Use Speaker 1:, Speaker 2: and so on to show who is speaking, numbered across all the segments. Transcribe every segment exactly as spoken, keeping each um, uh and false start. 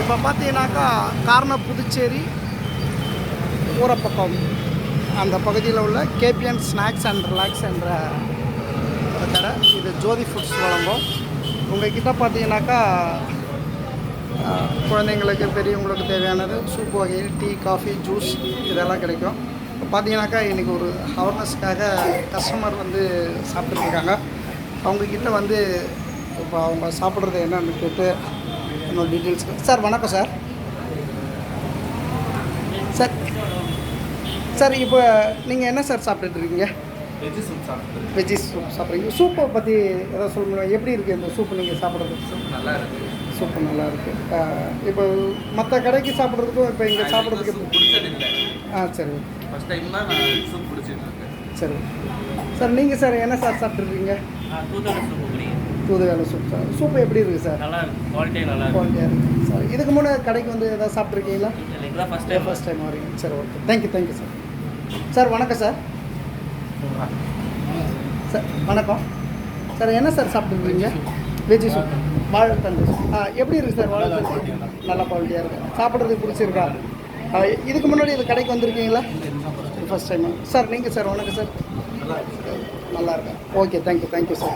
Speaker 1: இப்போ பார்த்தீங்கன்னாக்கா காரணம் புதுச்சேரி ஊரப்பக்கம் அந்த பகுதியில் உள்ள கேபிஎன் ஸ்நாக்ஸ் அண்ட் ரிலாக்ஸ் என்ற கடை. இது ஜோதி ஃபுட்ஸ் வழங்கும். உங்கள்கிட்ட பார்த்தீங்கன்னாக்கா குழந்தைங்களுக்கு பெரியவங்களுக்கு தேவையானது சூப் வகை, டீ, காஃபி, ஜூஸ் இதெல்லாம் கிடைக்கும். இப்போ பார்த்தீங்கன்னாக்கா இன்றைக்கி ஒரு அவேர்னஸ்க்காக கஸ்டமர் வந்து சாப்பிட்டுருக்காங்க. அவங்கக்கிட்ட வந்து இப்போ அவங்க சாப்பிட்றது என்னன்னு கேட்டு என்னோட டீட்டெயில்ஸ். சார் வணக்கம் சார். சார் சார் இப்போ நீங்கள் என்ன சார் சாப்பிட்டுட்ருக்கீங்க?
Speaker 2: வெஜ்ஜி சூப் சாப்பிட்றது.
Speaker 1: வெஜ்ஜி சூப் சாப்பிட்றீங்க. சூப்பை பற்றி எதாவது சொல்லணும். எப்படி இருக்குது இந்த சூப்பு நீங்கள் சாப்பிட்றது?
Speaker 2: சூப் நல்லா இருக்குது.
Speaker 1: சூப்பு நல்லா இருக்குது. இப்போ மற்ற கடைக்கு சாப்பிட்றதுக்கும் இப்போ இங்கே சாப்பிட்றதுக்கு
Speaker 2: சூப் பிடிச்சதில்லை.
Speaker 1: ஆ சரி.
Speaker 2: ஃபஸ்ட் டைம் தான் நான் சூப் பிடிச்சிட்ருக்கேன்.
Speaker 1: சரி சார். நீங்கள் சார் என்ன சார் சாப்பிட்ருக்கீங்க?
Speaker 3: தூதுவளை சூப்பு பிடிக்கும்.
Speaker 1: தூதுவளை சூப் சார். சூப்பு எப்படி இருக்குது சார்?
Speaker 3: நல்லா இருக்குது. குவாலிட்டி நல்லா இருக்குது.
Speaker 1: குவாலிட்டியாக இருக்குது சார். இதுக்கு முன்னே கடைக்கு வந்து எதாவது சாப்பிட்ருக்கீங்களா?
Speaker 3: இல்லை, ஃபஸ்ட் டைம்.
Speaker 1: ஃபஸ்ட் டைம் வரீங்க. சரி, okay. Thank you thank you sir. Sir வணக்கம் சார். சார் வணக்கம் சார். என்ன சார் சாப்பிட்டுருக்கீங்க? வெஜ்ஜி சூப், வாழைத்தண்டு சூப். ஆ எப்படி இருக்குது சார் வாழைத்தண்டு? நல்லா குவாலிட்டியாக இருக்குது. சாப்பிட்றதுக்கு பிடிச்சிருக்கா? இதுக்கு முன்னாடி இது கடைக்கு வந்திருக்கீங்களா? First time sir. நீங்கள் சார் வணக்கம் சார். நல்லா இருக்கா? Okay thank you thank you sir.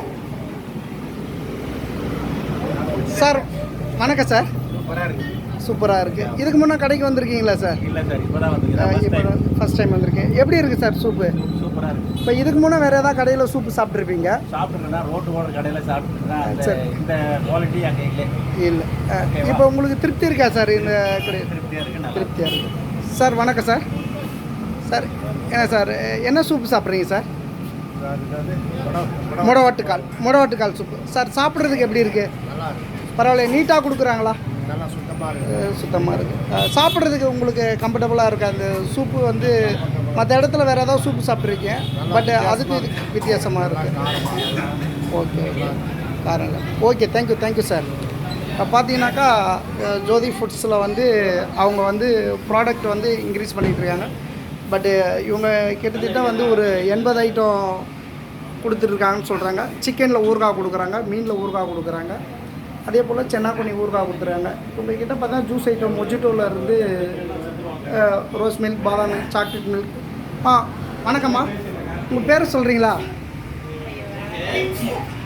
Speaker 1: Sir வணக்கம் சார்.
Speaker 2: சூப்பராக இருக்குது.
Speaker 1: சூப்பராக இருக்குது. இதுக்கு முன்னே கடைக்கு வந்திருக்கீங்களா சார்?
Speaker 2: இல்லை சார், இப்போ தான் வந்து
Speaker 1: இப்போ ஃபஸ்ட் டைம் வந்திருக்கேன். எப்படி இருக்குது சார் சூப்பு?
Speaker 2: சூப்பராக இருக்குது.
Speaker 1: இப்போ இதுக்கு முன்னே வேறு ஏதாவது கடையில் சூப்பு சாப்பிட்ருப்பீங்க?
Speaker 2: சாப்பிட்ருக்கேன்னா ரோட்டு ஓடுற கடையில் சாப்பிட்ருக்கேன்.
Speaker 1: சரி.
Speaker 2: இந்த குவாலிட்டி அங்கே இல்லை.
Speaker 1: இல்லை. இப்போ உங்களுக்கு திருப்தி இருக்கா சார் இந்த கடை?
Speaker 2: திருப்தியாக இருக்குது.
Speaker 1: திருப்தியாக இருக்குது சார். வணக்கம் சார். சார் என்ன சார் என்ன சூப்பு சாப்பிட்றீங்க சார்? முடவாட்டுக்கால். முடவாட்டுக்கால் சூப்பு சார். சாப்பிட்றதுக்கு எப்படி இருக்குது?
Speaker 2: நல்லா இருக்குது.
Speaker 1: பரவாயில்ல. நீட்டாக கொடுக்குறாங்களா?
Speaker 2: நல்லா சுத்தமாக இருக்குது.
Speaker 1: சுத்தமாக இருக்குது. சாப்பிட்றதுக்கு உங்களுக்கு கம்ஃபர்டபுளாக இருக்குது அந்த சூப்பு வந்து? மற்ற இடத்துல வேறு ஏதாவது சூப்பு சாப்பிட்ருக்கீங்க, பட் அதுக்கு இது வித்தியாசமாக இருக்குது. Okay okay. காரணம். Okay thank you thank you sir. இப்போ பார்த்தீங்கன்னாக்கா ஜோதி ஃபுட்ஸில் வந்து அவங்க வந்து ப்ராடக்ட் வந்து இன்க்ரீஸ் பண்ணிகிட்ருக்காங்க. பட்டு இவங்க கிட்டத்தட்ட வந்து ஒரு எண்பது ஐட்டம் கொடுத்துட்ருக்காங்கன்னு சொல்கிறாங்க. சிக்கனில் ஊறுகாய் கொடுக்குறாங்க, மீனில் ஊறுகாய் கொடுக்குறாங்க, அதே போல் சென்னாக்குனி ஊறுகாய் கொடுத்துருக்காங்க. உங்கள்கிட்ட பார்த்தா ஜூஸ் ஐட்டம் மொஜிட்டோவில் இருந்து rose milk, badam milk, chocolate milk. ஆ வணக்கம்மா. உங்கள் பேர் சொல்கிறீங்களா?